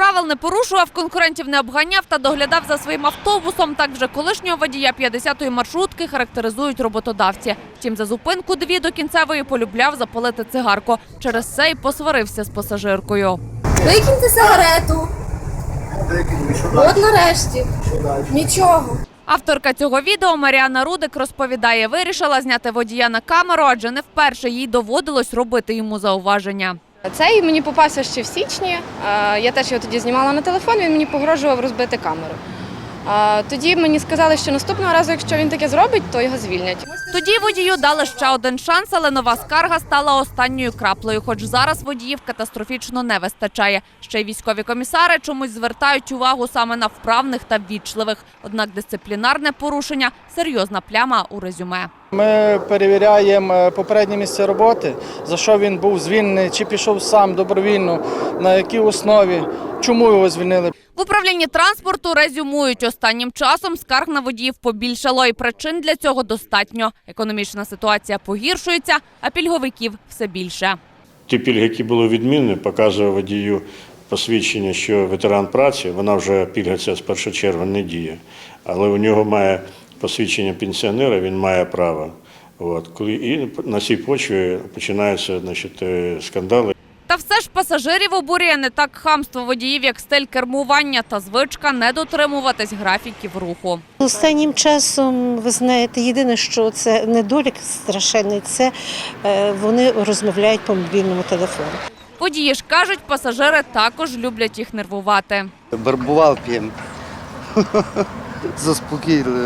Правил не порушував, конкурентів не обганяв та доглядав за своїм автобусом. Так вже колишнього водія 50-ї маршрутки характеризують роботодавці. Втім, за зупинку 2 до кінцевої полюбляв запалити цигарку. Через це й посварився з пасажиркою. Викиньте сигарету. От нарешті. Нічого. Авторка цього відео Маріана Рудик розповідає, вирішила зняти водія на камеру, адже не вперше їй доводилось робити йому зауваження. Цей мені попався ще в січні. Я теж його тоді знімала на телефон, він мені погрожував розбити камеру. Тоді мені сказали, що наступного разу, якщо він таке зробить, то його звільнять. Тоді водію дали ще один шанс, але нова скарга стала останньою краплею, хоч зараз водіїв катастрофічно не вистачає. Ще й військові комісари чомусь звертають увагу саме на вправних та ввічливих. Однак дисциплінарне порушення – серйозна пляма у резюме. Ми перевіряємо попереднє місце роботи, за що він був звільнений, чи пішов сам добровільно, на якій основі, чому його звільнили. В управлінні транспорту резюмують. Останнім часом скарг на водіїв побільшало і причин для цього достатньо. Економічна ситуація погіршується, а пільговиків все більше. Ті пільги, які були відмінені, показує водію посвідчення, що ветеран праці, вона вже пільга ця з 1 червня не діє, але у нього має посвідчення пенсіонера, він має право. І на цій почві починаються скандали. Та все ж пасажирів обурює не так хамство водіїв, як стиль кермування та звичка не дотримуватись графіків руху. Останнім часом, ви знаєте, єдине, що це недолік страшенний, це вони розмовляють по мобільному телефону. Водії ж кажуть, пасажири також люблять їх нервувати. Барбувал п'ємо. Заспокійливо.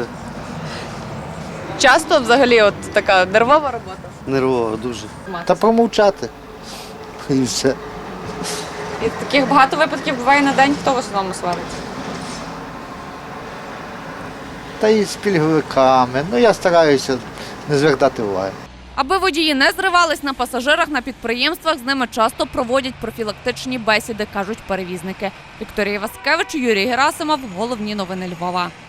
Часто взагалі от така нервова робота? Нервово дуже. Та промовчати. І все. І таких багато випадків буває на день. Хто в основному свариться? Та і з пільговиками. Я стараюся не звертати уваги. Аби водії не зривались на пасажирах на підприємствах, з ними часто проводять профілактичні бесіди, кажуть перевізники. Вікторія Васкевич, Юрій Герасимов. Головні новини Львова.